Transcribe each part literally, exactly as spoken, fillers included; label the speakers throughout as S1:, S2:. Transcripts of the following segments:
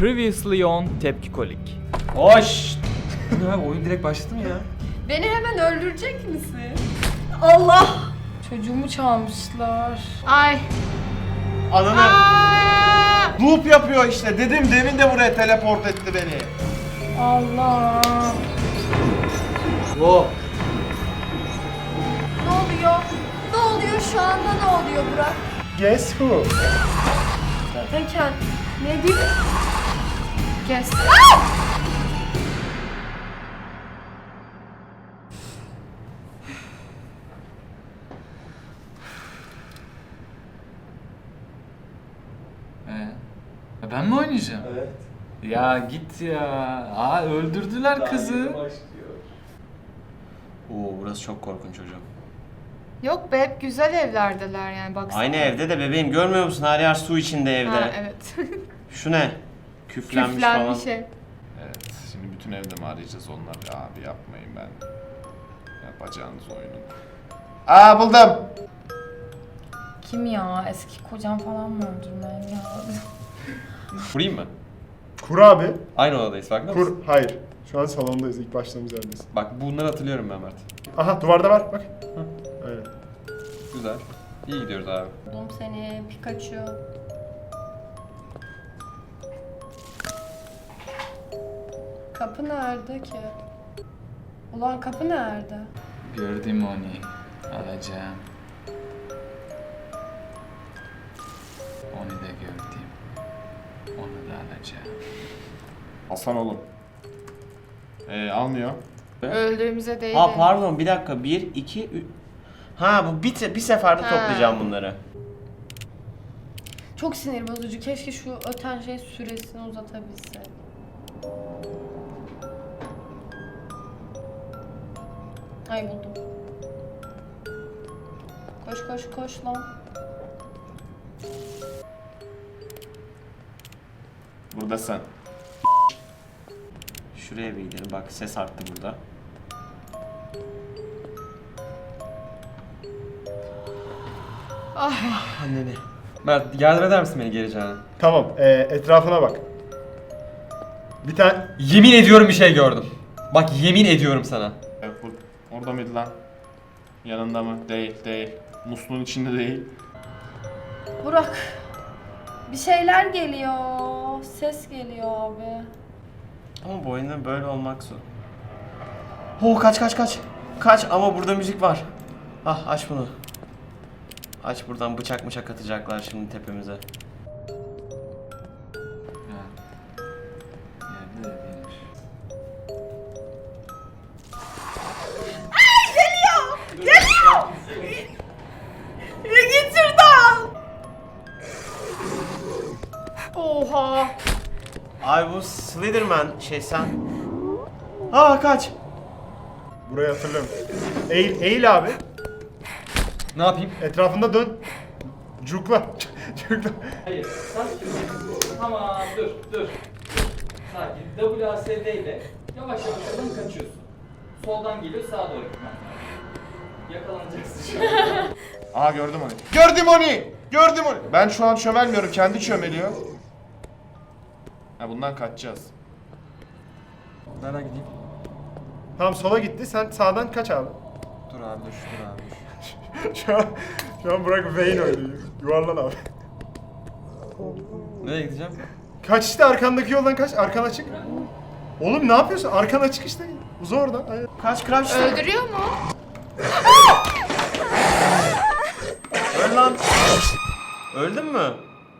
S1: Previously on Tepki Kolik.
S2: Hoş. Ya oyun direkt başladı mı ya?
S3: Beni hemen öldürecek misin? Allah!
S4: Çocuğumu çalmışlar.
S3: Ay.
S2: Ananı.
S3: Aa!
S2: Loop yapıyor işte. Dedim demin de buraya teleport etti beni.
S4: Allah.
S2: Wow.
S3: Ne oluyor? Ne oluyor şu anda, ne oluyor Burak?
S5: Guess who?
S3: Zaten kend... Ne diyeyim? Kes.
S6: Ee, ben mi oynayacağım?
S2: Evet.
S6: Ya git ya. Aa öldürdüler kızı.
S2: Oo burası çok korkunç hocam.
S4: Yok be, hep güzel evlerdeler yani, baksana.
S2: Aynı evde de bebeğim görmüyor musun? Her yer su içinde evde.
S4: Ha, evet.
S2: Şu ne? Küflenmiş,
S4: Küflenmiş
S2: falan.
S4: ev.
S7: Evet, şimdi bütün evde mi arayacağız onları? Abi yapmayın ben. Yapacağınız oyunu. Aa buldum.
S4: Kim ya? Eski kocam falan mı öldürmeyen ya?
S2: Kurayım mı?
S5: Kur abi.
S2: Aynı odadayız farkında mısın?
S5: Kur. Hayır. Şu an salondayız. İlk başladığımız yerdeyiz.
S2: Bak bunları hatırlıyorum ben Mert.
S5: Aha duvarda var. Bak. Aynen.
S2: Güzel. İyi gidiyoruz abi.
S3: Buldum seni Pikachu. Kapı nerede ki? Ulan kapı nerede?
S6: Gördüm onu. Alacağım. Onu da gördüm. Onu da alacağım.
S7: Hasan oğlum. Ee, almıyor.
S4: Öldüğümüze değil.
S2: Ha pardon bir dakika. Bir, iki, üç. Ha bu bir, te- bir seferde
S4: Ha.
S2: toplayacağım bunları.
S3: Çok sinir bozucu. Keşke şu öten şey süresini uzatabilse. Ay buldum. Koş koş koş lan.
S7: Burada sen.
S2: Şuraya bir gidelim. Bak ses arttı burada. Ah. Anneni. Mert yardım eder misin beni geleceğine?
S5: Tamam. E, etrafına bak. Bir tane...
S2: Yemin ediyorum bir şey gördüm. Bak yemin ediyorum sana.
S7: Ee, bu- Orada mıydı lan? Yanında mı? Değil, değil. Musluğun içinde değil.
S3: Burak. Bir şeyler geliyor. Ses geliyor abi.
S2: Ama bu oyunda böyle olmak zor. Oh kaç kaç kaç. Kaç ama burada müzik var. Ah aç bunu. Aç buradan bıçak bıçak atacaklar şimdi tepemize.
S6: Ha. Yerde de değilmiş.
S3: Ya git şuradan. Oha.
S2: Ay bu Slenderman şey sen. Aa kaç.
S5: Burayı hatırlıyorum. Eğil, eğil abi.
S2: Ne yapayım?
S5: Etrafında dön. Cukla. Cukla.
S1: Hayır, sakin. Tamam, dur, dur. Sakin. W A S D ile yavaş yavaş oradan kaçıyorsun. Soldan geliyor, sağa doğru gitmen lazım. Yakalanacaksın şu an.
S7: Aa gördüm onu. Gördüm onu! Gördüm onu! Ben şu an çömelmiyorum, kendi çömeliyor. Ha bundan kaçacağız.
S2: Nereden gideyim?
S5: Tamam sola gitti. Sen sağdan kaç abi.
S2: Dur abi dur dur abi dur.
S5: Şu an, şu an Burak Wayne oynuyor. Yuvarlan abi.
S2: Nereye gideceğim?
S5: Kaç işte arkandaki yoldan kaç. Arkan açık. Oğlum ne yapıyorsun? Arkan açık işte. Uza oradan. Aynen.
S2: Kaç crash.
S4: Öldürüyor mu?
S2: Öl lan. Öldün mü?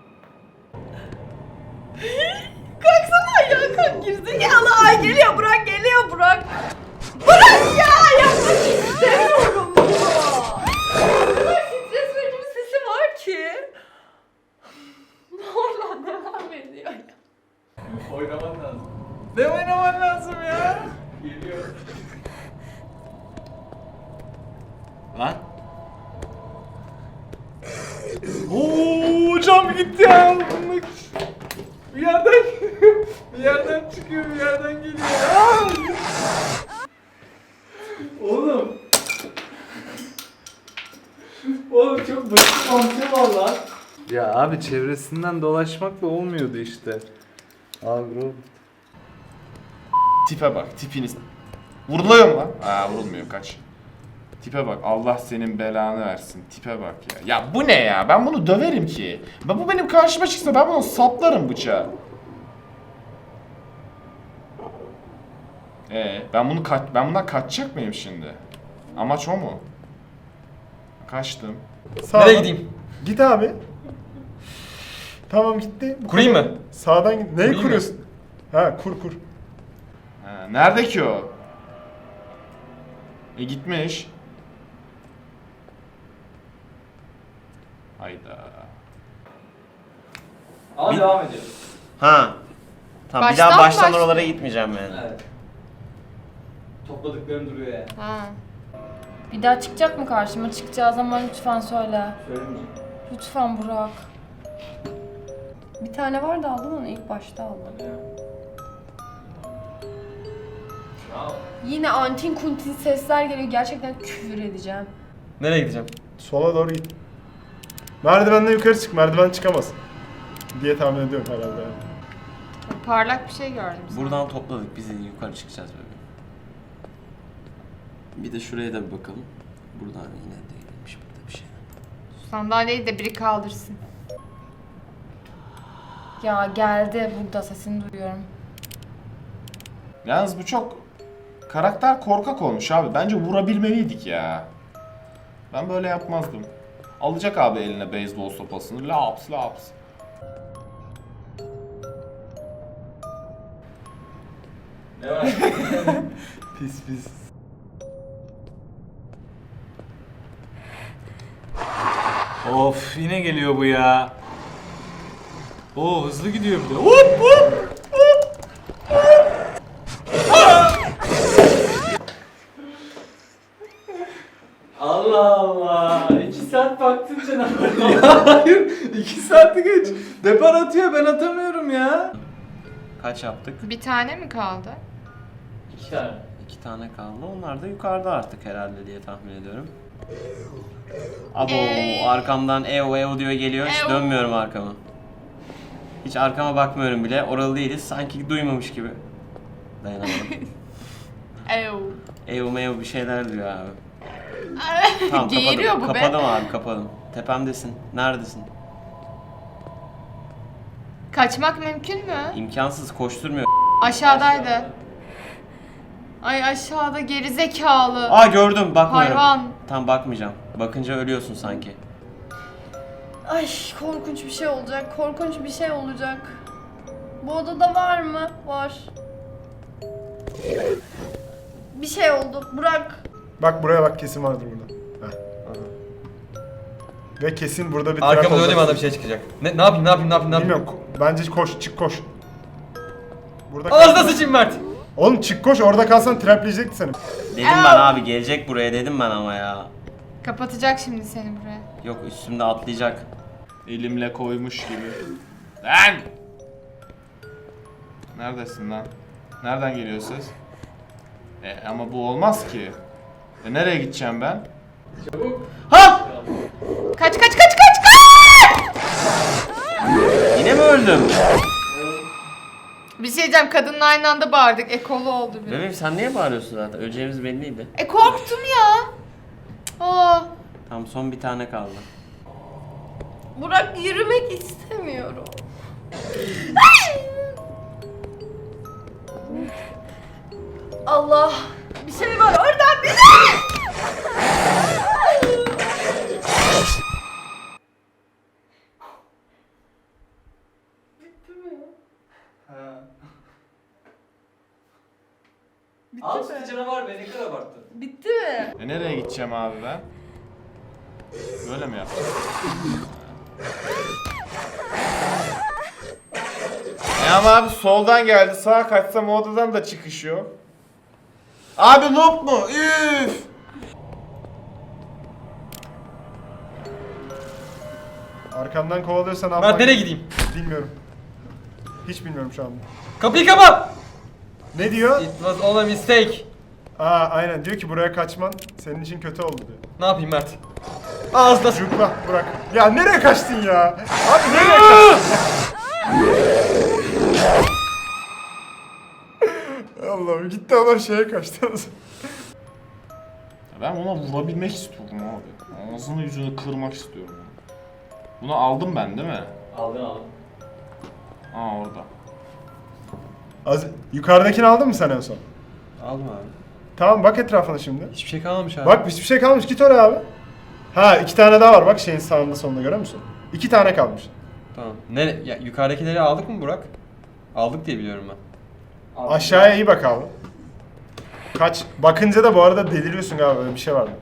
S3: Kalksana ya, kalk gerizekalı. Ay geliyor Burak, geliyor Burak. Burak ya, yapmak istemiyorum bunu. Ne kadar stres verici bir sesi var ki. Hala devam ediyor ya.
S6: Oynaman lazım. Ne oynaman lazım ya? Geliyor. Lan. Oo cam gitti ya. Bir yerden bir yerden çıkıyor, bir yerden geliyor. Aa! Oğlum. Oğlum çok basit mantığı var lan. Ya abi çevresinden dolaşmakla olmuyordu işte.
S5: Agro.
S7: Tipe bak, tipiniz. Vuruluyor mu lan? Aa vurulmuyor, kaç. Tipe bak, Allah senin belanı versin. Tipe bak ya. Ya bu ne ya? Ben bunu döverim ki. Ben, bu benim karşıma çıksa ben bunu saplarım bıçağı. Ee, ben bunu kaç ben bundan kaçacak mıyım şimdi? Amaç o mu? Kaçtım.
S5: Sağdan.
S6: Nereye gideyim?
S5: Git abi. Tamam gitti. Bu
S6: Kurayım
S5: kadar.
S6: mı?
S5: Sağdan git. Neyi
S6: Kurayım mı?
S5: kuruyorsun? Ha kur kur.
S7: Ha, nerede ki o? E gitmiş. Hayda.
S1: Ama
S2: Bir-
S1: devam ediyoruz.
S2: Ha. Tamam bir
S3: Baştan
S2: daha
S3: mı
S2: baştan
S3: başlıyor?
S2: oralara gitmeyeceğim yani.
S1: Evet. Topladıklarım duruyor yani.
S3: Ha.
S4: Bir daha çıkacak mı karşıma? Çıkacağı zaman lütfen söyle.
S1: Söylemeyeceğim.
S4: Lütfen Burak.
S3: Bir tane vardı aldım onu ilk başta aldım.
S1: Hadi ya. Bravo.
S3: Yine antin kuntin sesler geliyor. Gerçekten küfür edeceğim.
S6: Nereye gideceğim?
S5: Sola doğru git. Merdivenden yukarı çık. Merdiven çıkamaz. Diye tahmin ediyorum herhalde. yani.
S3: Parlak bir şey gördüm.
S2: Buradan topladık. Biz yukarı çıkacağız bebeğim. Bir de şuraya da bir bakalım. Buradan yine değilmiş burada bir şey.
S3: Sandalyeyi de biri kaldırsın.
S4: Ya geldi burada sesini duyuyorum.
S7: Yalnız bu çok karakter korkak olmuş abi. Bence vurabilmeliydik ya. Ben böyle yapmazdım. Alacak abi eline beyzbol sopasını. Laps laps.
S1: Ne var?
S6: Pis pis. Of yine geliyor bu ya. Oo hızlı gidiyor bir de. Hop hop.
S1: Allah Allah. İki saat baktın canavar.
S6: Ya hayır. iki saati geç. Depar atıyor ben atamıyorum ya.
S2: Kaç yaptık?
S3: Bir tane mi kaldı?
S1: İki tane.
S2: İki tane kaldı. Onlar da yukarıda artık herhalde diye tahmin ediyorum. Abo
S3: Ey.
S2: arkamdan ev ev diyor geliyor. Hiç
S3: Ev.
S2: dönmüyorum arkama. Hiç arkama bakmıyorum bile. Oralı değiliz. Sanki duymamış gibi. Dayanamadım.
S3: Ew.
S2: ev mev bir şeyler diyor abi. Tamam
S3: Geğiriyor
S2: kapadım.
S3: bu be.
S2: Kapadım abi kapadım. Tepemdesin. Neredesin?
S3: Kaçmak mümkün mü?
S2: İmkansız koşturmuyor.
S3: Aşağıdaydı. Ay aşağıda geri zekalı.
S2: Aa gördüm bakmıyorum.
S3: Hayvan.
S2: Tam bakmayacağım. Bakınca ölüyorsun sanki.
S3: Ay korkunç bir şey olacak. Korkunç bir şey olacak. Bu odada var mı? Var. Bir şey oldu. Burak.
S5: Bak buraya bak kesin vardır burada. Heh. Ve kesin burada bir
S6: Arkamda
S5: olacak.
S6: döneyim anda bir şey çıkacak. Ne, ne yapayım ne yapayım ne yapayım ne yapayım?
S5: Bilmiyorum. ko- Bence koş çık koş. Burada
S6: Ağzına
S5: kal.
S6: sıçayım Mert.
S5: Oğlum çık koş orada kalsan trapleyecekti seni.
S2: Dedim ben abi gelecek buraya dedim ben ama ya.
S3: Kapatacak şimdi seni buraya.
S2: Yok üstümde atlayacak.
S7: Elimle koymuş gibi. Lan! Neredesin lan? Nereden geliyor ses? E ama bu olmaz ki. E nereye gideceğim ben?
S1: Çabuk.
S2: Ha!
S3: Kaç kaç kaç kaç kaç!
S2: Yine mi öldüm?
S3: Bir şey diyeceğim, kadınla aynı anda bağırdık. Ekolu oldu bir.
S2: Bebeğim sen niye bağırıyorsun zaten? Öleceğimiz belliydi.
S3: E korktum ya. Aa,
S2: Tamam son bir tane kaldı.
S3: Burak yürümek istemiyorum. Allah, bir şey var oradan bir şey.
S1: Ha. Al işte canavar be, ne kadar abarttın.
S3: Bitti mi?
S7: E nereye gideceğim abi ben? Böyle mi yapacağım? E ama abi soldan geldi. Sağa kaçsam o odadan da çıkış yok. Abi loop mu? Üf!
S5: Arkandan kovalıyorsan ne
S6: Mert
S5: yapmak?
S6: nereye gideyim?
S5: Bilmiyorum. Hiç bilmiyorum şu anda.
S6: Kapıyı kapat.
S5: Ne diyor?
S6: It was all a mistake.
S5: Aa aynen diyor ki buraya kaçman senin için kötü oldu diyor.
S6: Ne yapayım Mert? Ağzına s-
S5: Yukla bırak. Ya nereye kaçtın ya? Abi nereye kaçtın? Allah'ım gitti adam şeye kaçtı.
S7: Ben ona vurabilmek istiyorum abi. Ağzını yüzünü kırmak istiyorum. Bunu aldım ben değil mi?
S1: Aldın aldın.
S7: Aa orada.
S5: Az, yukarıdakini aldın mı sen en son?
S2: Alma abi.
S5: Tamam bak etrafına şimdi.
S2: Hiçbir şey kalmamış abi.
S5: Bak hiçbir şey kalmamış. Git oraya abi. Ha iki tane daha var bak şeyin sağında sonunda görüyor musun? İki tane kalmış.
S8: Tamam. Ne ya, yukarıdakileri aldık mı Burak? Aldık diye biliyorum ben.
S1: Aldın.
S5: Aşağıya iyi bak abi. Kaç. Bakınca da bu arada deliriyorsun galiba öyle bir şey var.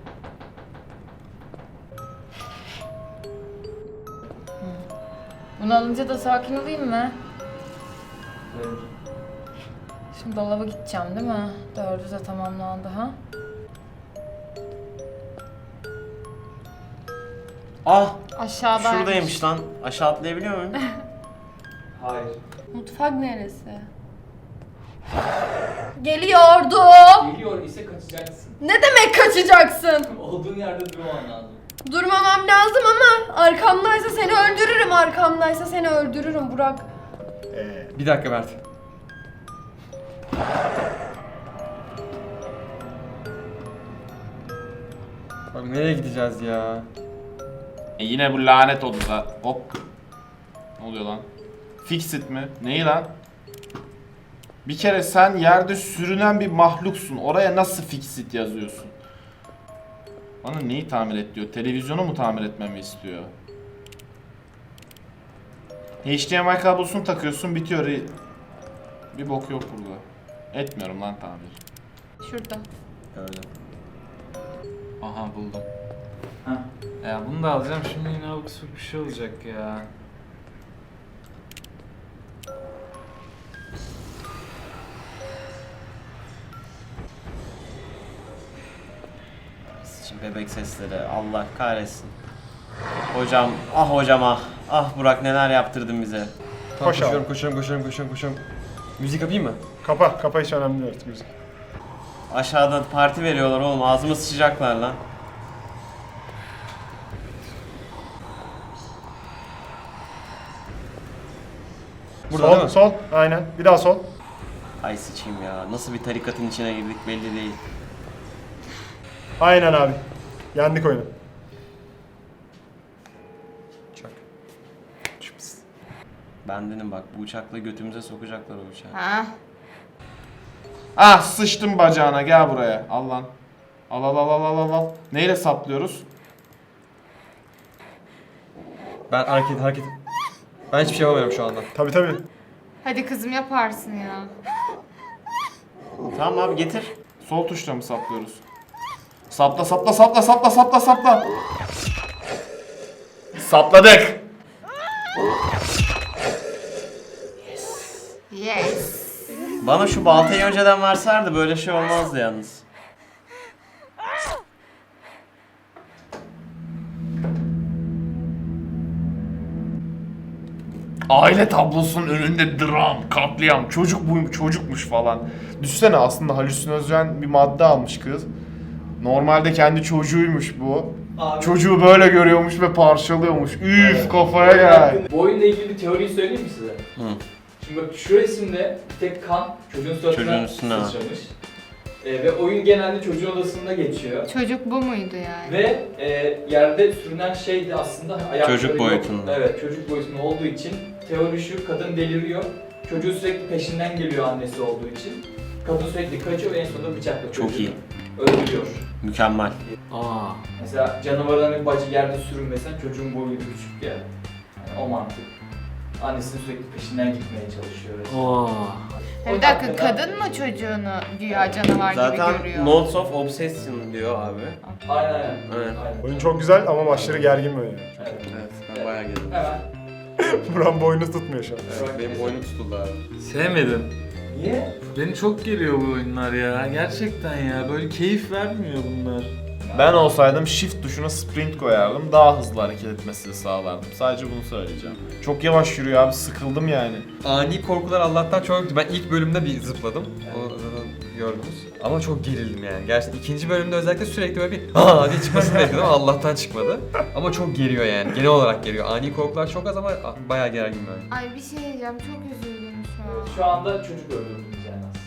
S4: Bunu alınca da sakin olayım mı?
S1: Evet.
S4: Şimdi dolaba gideceğim değil mi? Dördü de tamamlandı ha.
S2: Ah!
S4: Aşağıdaymış.
S2: Şuradaymış lan. Aşağı atlayabiliyor muyum?
S1: Hayır.
S3: Mutfak neresi? Geliyordu.
S1: Geliyor ise kaçacaksın.
S3: Ne demek kaçacaksın?
S1: Olduğun yerde durman lazım.
S3: Durmamam lazım ama arkamdaysa seni öldürürüm. Arkamdaysa seni öldürürüm Burak.
S5: Ee,
S8: Bir dakika Mert. Bak nereye gideceğiz ya?
S7: E yine bu lanet oldu da. Hop. Ne oluyor lan? Fix it mi? Neyi lan? Bir kere sen yerde sürünen bir mahluksun. Oraya nasıl fix it yazıyorsun? Bana neyi tamir et diyor? Televizyonu mu tamir etmemi istiyor? H D M I kablosunu takıyorsun bitiyor. Bir bok yok burada. Etmiyorum lan tamir.
S3: Şurada.
S2: Gördüm.
S6: Aha buldum.
S1: Heh.
S6: Ya bunu da alacağım şimdi yine abuk sabuk bir şey olacak ya.
S2: Şimdi bebek sesleri. Allah kahretsin. Hocam, ah hocam ah. Ah Burak neler yaptırdın bize.
S8: Tamam,
S5: Koş
S8: koşuyorum,
S5: abi.
S8: koşuyorum, koşuyorum, koşuyorum, koşuyorum. Müzik yapayım mı?
S5: kapa. Kapa hiç önemli değil artık müzik.
S2: Aşağıda parti veriyorlar oğlum. Ağzıma sıçacaklar lan.
S8: Burada
S5: sol,
S8: değil mi?
S5: sol. Aynen. Bir daha sol.
S2: Ay sıçayım ya. Nasıl bir tarikatın içine girdik belli değil.
S5: Aynen abi. Yendik oyunu.
S8: Çak.
S2: Bendenim bak. Bu uçakla götümüze sokacaklar o uçağı.
S3: Ha.
S7: Ah sıçtım bacağına gel buraya. Al lan. Al al al al al al, al. Neyle saplıyoruz?
S8: Ben hareket, hareket. Ben hiçbir şey yapamıyorum şu anda.
S5: Tabi tabi.
S3: Hadi kızım yaparsın ya.
S2: Tamam abi getir.
S7: Sol tuşla mı saplıyoruz? Sapla sapla sapla sapla sapla sapla. Sapladık.
S3: Yes.
S2: Bana şu baltayı önceden verselerdi böyle şey olmazdı yalnız.
S7: Aile tablosunun önünde dram, katliam, çocuk buyum, çocukmuş falan. Düşünsene aslında halüsinojen bir madde almış kız. Normalde kendi çocuğuymuş bu.
S1: Abi.
S7: Çocuğu böyle görüyormuş ve parçalıyormuş. Üf kafaya gel.
S1: Bu oyunla ilgili bir teoriyi söyleyeyim mi size?
S2: Hı.
S1: Şimdi bak şu resimde bir tek kan çocuğun
S2: Çocuğun
S1: suratına
S2: üstüne var.
S1: sıçramış. Ee, ve oyun genelde çocuğun odasında geçiyor.
S3: Çocuk bu muydu yani?
S1: Ve e, yerde sürünen şey de aslında ayakları
S2: Çocuk
S1: yok.
S2: boyutunda.
S1: Evet çocuk boyutunda olduğu için teori şu, kadın deliriyor. Çocuğu sürekli peşinden geliyor annesi olduğu için. Kadın sürekli kaçıyor ve en sonunda bıçakla
S2: Çok
S1: çocuğu
S2: iyi.
S1: öldürüyor.
S2: Mükemmel.
S6: Aa.
S1: Mesela canavarların bacı yerde sürünmesen çocuğun boyu küçük ya. Yani o mantık. Annesinin sürekli peşinden gitmeye çalışıyor.
S6: Oo.
S3: Bir dakika kadın mı çocuğunu güya canavar gibi
S2: Zaten
S3: görüyor?
S2: Notes of Obsession diyor abi.
S1: Aynen aynen.
S2: Evet.
S1: aynen.
S5: Oyun çok güzel ama aşırı gergin bir oyun.
S1: Evet.
S2: Evet ben bayağı geldim.
S1: Hemen.
S5: Buran boynu tutmuyor şu an.
S2: Evet, benim boynum tutuldu abi.
S6: Sevmedim.
S1: Niye?
S6: Beni çok geriyor bu oyunlar ya. Gerçekten ya. Böyle keyif vermiyor bunlar.
S7: Ben olsaydım shift tuşuna sprint koyardım. Daha hızlı hareket etmesini sağlardım. Sadece bunu söyleyeceğim. Çok yavaş yürüyor abi sıkıldım yani.
S8: Ani korkular Allah'tan çok... Ben ilk bölümde bir zıpladım. O zaten gördünüz. Ama çok gerildim yani. Gerçekten ikinci bölümde özellikle sürekli böyle bir aa diye çıkmasını bekledim ama Allah'tan çıkmadı. Ama çok geriyor yani. Genel olarak geriyor. Ani korkular çok az ama bayağı gergin böyle.
S3: Ay bir şey diyeceğim çok üzüldüm şu an.
S1: Şu anda çocuk öldürdünüz yani aslında.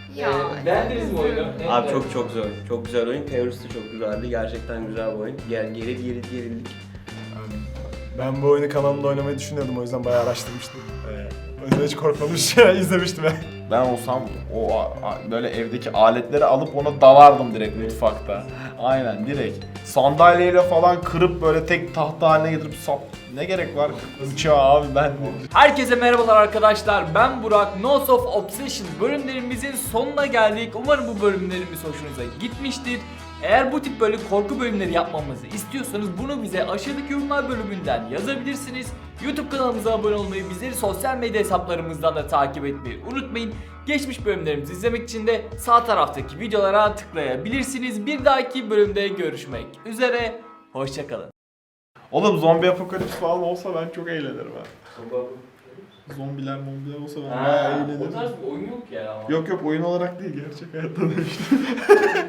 S3: Ya,
S1: Ee, beğendiniz mi oyunu? Ne-
S2: Abi
S1: ne-
S2: çok çok zor. Çok güzel oyun. Teorisi de çok güzeldi. Gerçekten güzel bir oyun. Gel geri geri gerildik.
S5: Ben bu oyunu kanalımda oynamayı düşünüyordum, o yüzden bayağı araştırmıştım. Ee, o yüzden hiç korkmamış izlemiştim yani.
S7: Ben olsam o a- a- böyle evdeki aletleri alıp ona dalardım direkt mutfakta. Aynen direkt. Sandalyeyle falan kırıp böyle tek tahta haline getirip sap. Ne gerek var bıçağı abi ben.
S1: Herkese merhabalar arkadaşlar. Ben Burak. Notes of Obsession bölümlerimizin sonuna geldik. Umarım bu bölümlerimiz hoşunuza gitmiştir. Eğer bu tip böyle korku bölümleri yapmamızı istiyorsanız bunu bize aşağıdaki yorumlar bölümünden yazabilirsiniz. YouTube kanalımıza abone olmayı, bizleri sosyal medya hesaplarımızdan da takip etmeyi unutmayın. Geçmiş bölümlerimizi izlemek için de sağ taraftaki videolara tıklayabilirsiniz. Bir dahaki bölümde görüşmek üzere. Hoşçakalın.
S7: Oğlum zombi apokalips falan olsa ben çok eğlenirim ha. Zombiler mombiler olsa ben bayağı
S1: Ha,
S7: eğlenirim.
S1: o tarz bir oyun yok ya.
S7: Yok yok oyun olarak değil gerçek hayatta da işte.